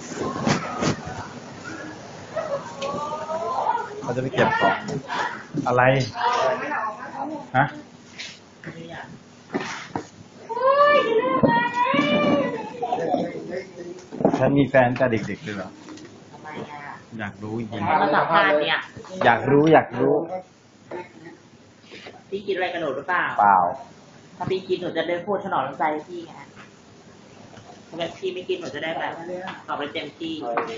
เขาจะไปเก็บของอะไรฮะฉันมีแฟนแต่เด็กๆเลยเหรอทำไมอ่ะอยากรู้จริงมาสัมภาษณ์เนี่ยอยากรู้พี่คิดอะไรกับหนูหรือเปล่าเปล่าถ้าพี่คิดหนูจะได้พูดถนอมน้ำใจพี่ไงถ้าแบบพี่ไม่คิดหนูจะได้แบบตอบไปเต็มที่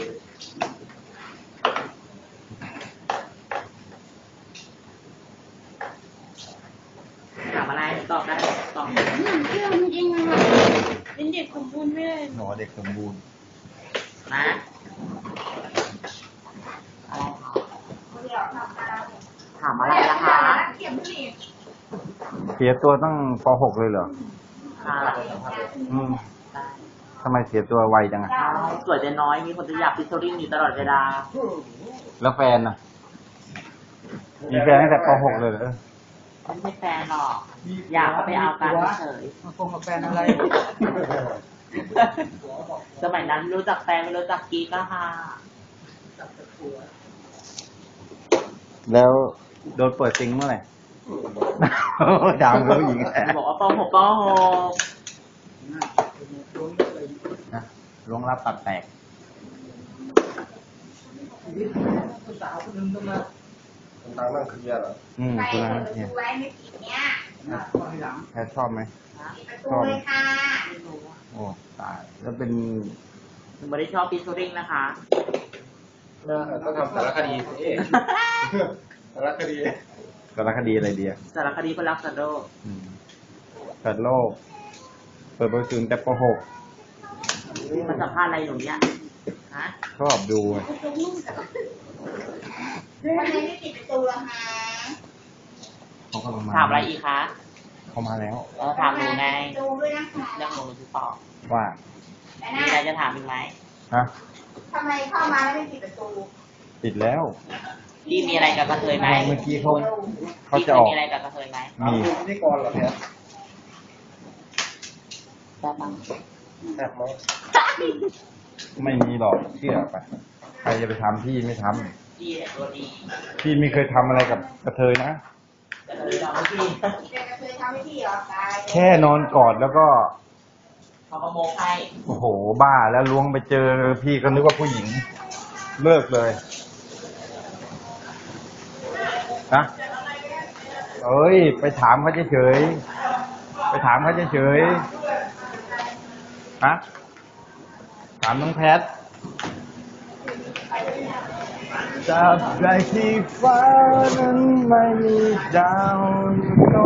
ถามอะไรตอบได้ตอบเชื่อจริงๆอะเป็นเด็กสมบูรณ์ไม่ได้หนอเด็กสมบูรณ์นะอะไรถามอะไรล่ะคะเสียตัวตั้งป .6 เลยเหรอทำไมเสียตัวไวจังอะสวยแต่น้อยมีคนจะอยากฟิชเชอริ่งอยู่ตลอดเวลาแล้วแฟนน่ะมีแฟนตั้งแต่ป .6 เลยเหรอไม่ใช่แฟนหรอกอยากเขาไปเอากันเฉยคงกับแฟนอะไรสมัยนั้นรู้จักแฟนไม่รู้จักกีก็ค่ะแล้วโดนเปิดซิงเมื่อไหร่ดาวเขาหญิงบอกว่าป .6 ป .6 นะลงรับตัดแตกสาวคนนึงต้องมาทางนั่งเคลียร์เหรอคุณนะเนี่ยแพทชอบไหมชอบโอ้ตายแล้วเป็นไม่ได้ชอบฟิชเชอริ่งนะคะต้องทำสารคดีสิสารคดีอะไรดีอะสารคดีคนรักสัตว์โลกสัตว์โลกเปิดประตูแต่ป .6 มันสัมภาษณ์อะไรหนูเนี่ยฮะชอบดูทำไมไม่ปิดประตูล่ะคะเขากำลังมาถามอะไรอีกคะเขามาแล้วถามหนูไงดูด้วยนะคะเรื่องหนูคือตอบว่ามีอะไรจะถามอีกไหมฮะทำไมเข้ามาแล้วไม่ปิดประตูปิดแล้วพี่มีอะไรกับกระเทยไหมเมื่อกี้เขาจะออกมีอะไรกับกระเทยไหมมีพิธีกรเหรอแพทแบบมั้งแบบมั้งไม่มีหรอกเชื่อไปใครจะไปทำพี่ไม่ทำพี่ตัวดีพี่ไม่เคยทำอะไรกับกระเทยนะกระเทยทำให้พี่กระเทยทำให้พี่เหรอตายแค่นอนกอดแล้วก็เขาก็โมกให้โอ้โหบ้าแล้วล้วงไปเจอพี่ก็นึกว่าผู้หญิงเลิกเลยนะเอ้ยไปถามเขาเฉยฮะถามน้องแพทจับได้ที่ฟ้านั้นไม่มีดาว